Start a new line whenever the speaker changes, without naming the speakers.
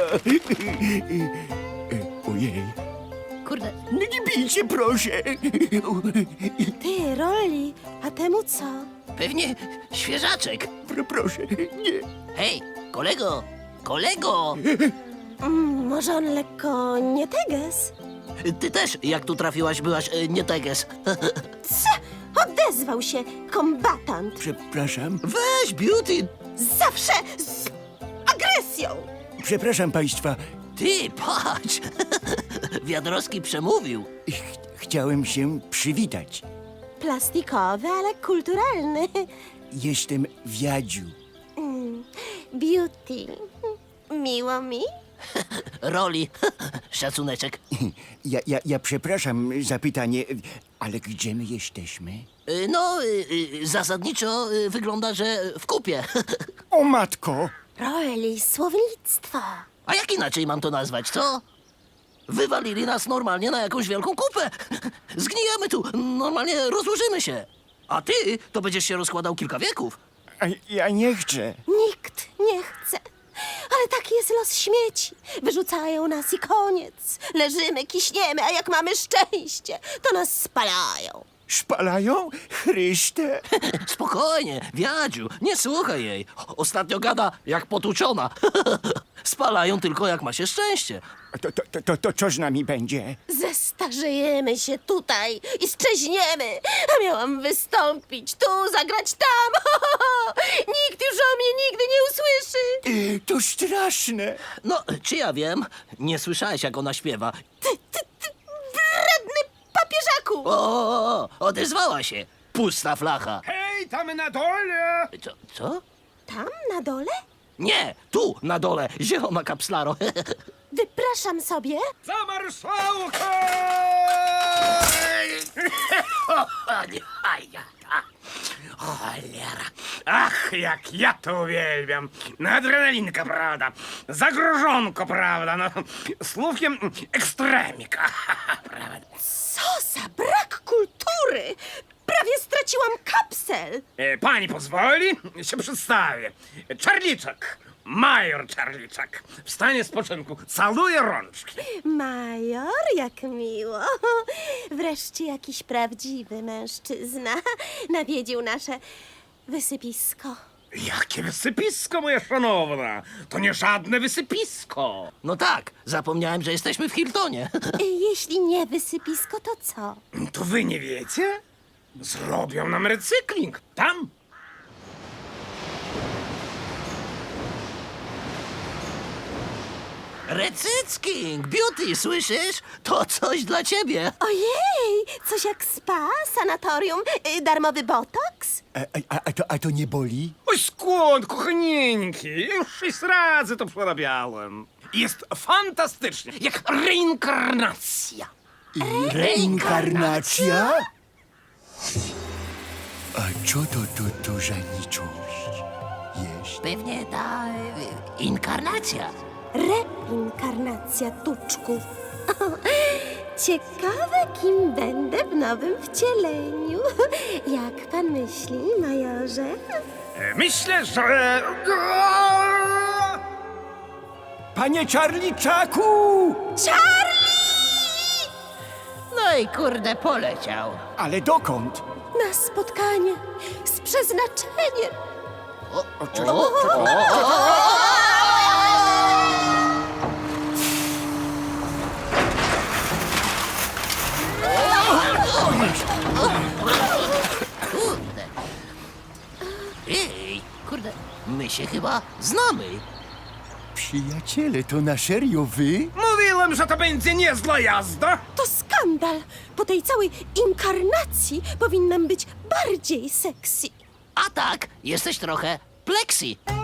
Ojej.
Kurde,
No nie bijcie, proszę.
Ty, Rolli, a temu co?
pewnie świeżaczek.
Proszę, nie.
Hej, kolego, kolego!
Może on lekko nie teges?
Ty też, jak tu trafiłaś, byłaś nie teges.
Odezwał się kombatant.
Przepraszam.
Weź, Beauty!
Zawsze z agresją.
Przepraszam państwa.
Ty, patrz! Wiadrowski przemówił.
Chciałem się przywitać.
Plastikowy, ale kulturalny.
Jestem Wiadziu.
Beauty. Miło mi.
Roli. Szacuneczek.
Ja przepraszam za pytanie, ale gdzie my jesteśmy?
No, zasadniczo wygląda, że w kupie.
O matko!
Rolli, słownictwo.
A jak inaczej mam to nazwać, co? Wywalili nas normalnie na jakąś wielką kupę. Zgnijemy tu, normalnie rozłożymy się. A ty to będziesz się rozkładał kilka wieków.
A ja nie chcę.
Nikt nie chce. Ale taki jest los śmieci. Wyrzucają nas i koniec. Leżymy, kiśniemy, a jak mamy szczęście, to nas spalają.
Spalają? Chryste!
Spokojnie, Wiadziu, nie słuchaj jej. Ostatnio gada jak potłuczona. Spalają tylko jak ma się szczęście.
To co z nami będzie?
Zestarzejemy się tutaj i szczeźniemy. A miałam wystąpić tu, zagrać tam. Nikt już o mnie nigdy nie usłyszy.
To straszne.
No, czy ja wiem? Nie słyszałeś, jak ona śpiewa.
Wredny papieżaku.
Odezwała się. Pusta flacha.
Hej, tam na dole!
Co?
Tam na dole?
Nie, tu, na dole, zielona kapslaro.
Wypraszam sobie.
Za marszałka!
Cholera.
Ach, jak ja to uwielbiam! No, adrenalinka, prawda? Zagrożonko, prawda? No, słówkiem ekstremika, prawda?
Co za brak kultury. Prawie straciłam kapsel.
Pani pozwoli? Się przedstawię. Czarliczek. Major Czarliczek. W stanie spoczynku. Caluję rączki.
Major, jak miło. Wreszcie jakiś prawdziwy mężczyzna nawiedził nasze wysypisko.
Jakie wysypisko, moja szanowna! To nie żadne wysypisko!
No tak, zapomniałem, że jesteśmy w Hiltonie.
Jeśli nie wysypisko, to co?
To wy nie wiecie? Zrobią nam recykling. Tam.
Recycking, Beauty, słyszysz? To coś dla ciebie.
Ojej, coś jak spa, sanatorium, darmowy botoks?
A to nie boli?
Oj, skąd, kochanieńki? Już 6 razy to przerabiałem. Jest fantastycznie, jak reinkarnacja.
Reinkarnacja? A co to za nicość jest?
Pewnie ta inkarnacja.
Reinkarnacja, tuczku. Ciekawe, kim będę w nowym wcieleniu. Jak pan myśli, majorze?
Myślę, że...
Panie Czarliczaku!
No i kurde, poleciał.
Ale dokąd?
Na spotkanie z przeznaczeniem.
Kurde. Ej, kurde, my się chyba znamy.
Przyjaciele, to na serio wy?
Mówiłem, że to będzie niezła jazda.
To skandal. Po tej całej inkarnacji powinnam być bardziej sexy.
A tak, jesteś trochę plexi.